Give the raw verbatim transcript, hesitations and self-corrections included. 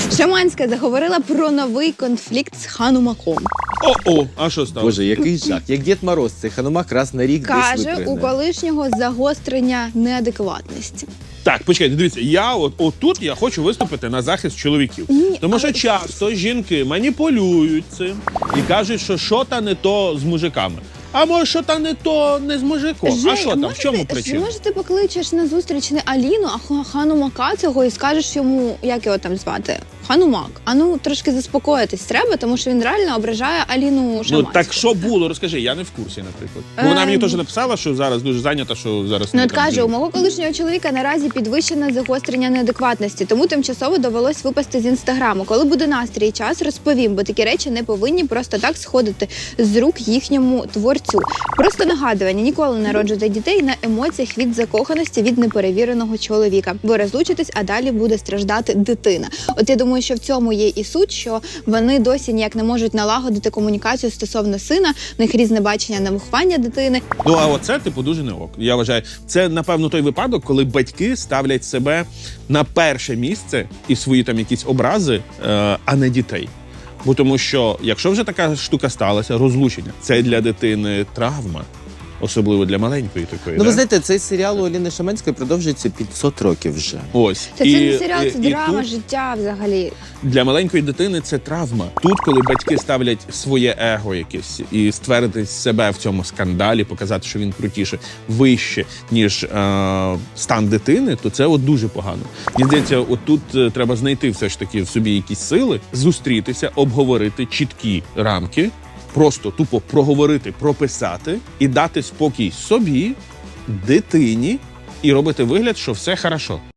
Шаманська заговорила про новий конфлікт з Ханумаком. О-о, а що стало? Боже, який жах. Як Дід Мороз, цей Ханумак раз на рік десь Каже, випригне. у колишнього загострення неадекватності. Так, почекайте, дивіться, я от отут я хочу виступити на захист чоловіків. Ні, Тому що але- часто жінки маніпулюють цим і кажуть, що що та не то з мужиками. А може, що та не то не з мужиком. Жень, а що там, може в чому ти, причина? Може ти покличеш на зустріч не Аліну, а Ха- Ханумака цього і скажеш йому, як його там звати? Ханумак. А ну трошки заспокоїтись треба, тому що він реально ображає Аліну Шаманську. Ну так що було, розкажи, я не в курсі, наприклад. Бо вона Ем. мені теж написала, що зараз дуже зайнята, що зараз Ну, не от там каже, у дуже- мого колишнього чоловіка наразі підвищене загострення неадекватності, тому тимчасово довелось випасти з інстаграму. Коли буде настрій і час, розповім, бо такі речі не повинні просто так сходити з рук їхньому творцю. Просто нагадування: ніколи не народжуйте дітей на емоціях від закоханості від неперевіреного чоловіка. Ви розлучитесь, а далі буде страждати дитина. От я думаю, що в цьому є і суть, що вони досі ніяк не можуть налагодити комунікацію стосовно сина, в них різне бачення на виховання дитини. Ну, а оце, типу, дуже не ок. Я вважаю, це, напевно, той випадок, коли батьки ставлять себе на перше місце і свої там якісь образи, е, а не дітей. Бо тому що, якщо вже така штука сталася, розлучення, це для дитини травма. Особливо для маленької такої. Ну, ви да? знаєте, цей серіал у Аліни Шаманської продовжується п'ятсот років вже. Ось. Це, це І- не серіал, і- це і драма, тут життя взагалі. для маленької дитини це травма. Тут, коли батьки ставлять своє его якесь і ствердити себе в цьому скандалі, показати, що він крутіше, вище, ніж е, стан дитини, то це от дуже погано. Мені здається, от тут е, треба знайти все ж таки в собі якісь сили, зустрітися, обговорити чіткі рамки, просто тупо проговорити, прописати і дати спокій собі, дитині, і робити вигляд, що все хорошо.